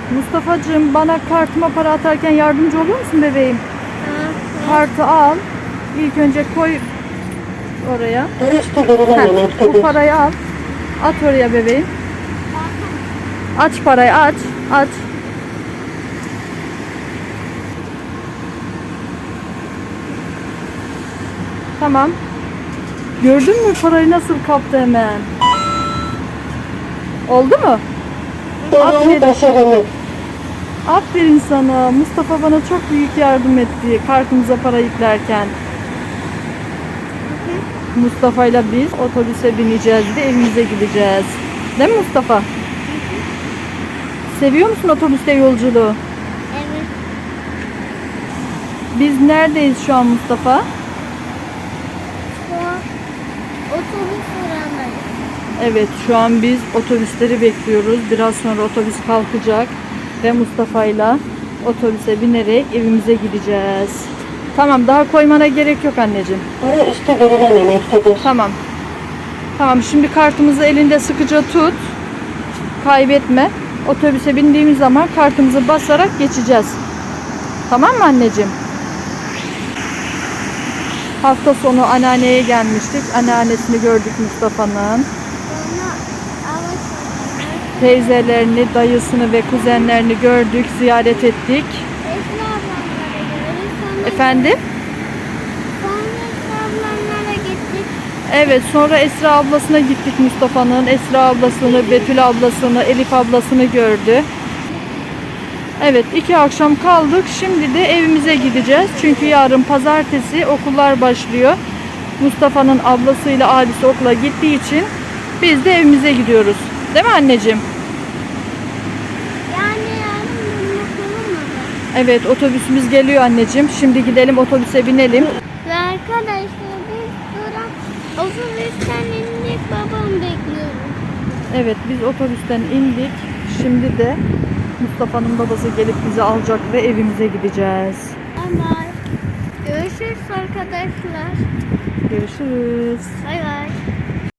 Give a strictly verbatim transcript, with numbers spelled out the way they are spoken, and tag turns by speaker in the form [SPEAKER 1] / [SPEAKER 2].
[SPEAKER 1] Mustafa'cığım, bana kartıma para atarken yardımcı olur musun bebeğim? Kartı al. İlk önce koy oraya. Heh, bu parayı al. At oraya bebeğim. Aç parayı, aç. Aç. Tamam. Gördün mü parayı nasıl kaptı hemen? Oldu mu? Aferin. Aferin sana. Mustafa bana çok büyük yardım etti kartımıza para yüklerken. Mustafa ile biz otobüse bineceğiz ve evimize gideceğiz. Değil mi Mustafa? Seviyor musun otobüste yolculuğu?
[SPEAKER 2] Evet.
[SPEAKER 1] Biz neredeyiz şu an Mustafa?
[SPEAKER 2] Şu an otobüs durağındayız.
[SPEAKER 1] Evet, şu an biz otobüsleri bekliyoruz. Biraz sonra otobüs kalkacak ve Mustafa ile otobüse binerek evimize gideceğiz. Tamam, daha koymana gerek yok anneciğim.
[SPEAKER 3] Para üstü verilememektedir.
[SPEAKER 1] Tamam. Tamam, şimdi kartımızı elinde sıkıca tut. Kaybetme. Otobüse bindiğimiz zaman kartımızı basarak geçeceğiz. Tamam mı anneciğim? Hafta sonu anneanneye gelmiştik. Anneannesini gördük Mustafa'nın.
[SPEAKER 2] Sonra alışverişler.
[SPEAKER 1] Teyzelerini, dayısını ve kuzenlerini gördük, ziyaret ettik.
[SPEAKER 2] Esra ablamlara gidiyoruz. Sonra
[SPEAKER 1] Efendim?
[SPEAKER 2] Sonra Esra ablamlara gittik.
[SPEAKER 1] Evet, sonra Esra ablasına gittik Mustafa'nın. Esra ablasını, Betül ablasını, Elif ablasını gördü. Evet, iki akşam kaldık. Şimdi de evimize gideceğiz. Çünkü yarın pazartesi okullar başlıyor. Mustafa'nın ablasıyla abisi okula gittiği için biz de evimize gidiyoruz. Değil mi anneciğim?
[SPEAKER 2] Yani yarın dönmek olur mu?
[SPEAKER 1] Evet, otobüsümüz geliyor anneciğim. Şimdi gidelim otobüse binelim.
[SPEAKER 2] Ve arkadaşlar biz duran otobüsten indik, babamı bekliyoruz.
[SPEAKER 1] Evet, biz otobüsten indik. Şimdi de Mustafa'nın babası gelip bizi alacak ve evimize gideceğiz.
[SPEAKER 2] Bay bay. Görüşürüz arkadaşlar.
[SPEAKER 1] Görüşürüz.
[SPEAKER 2] Bay bay.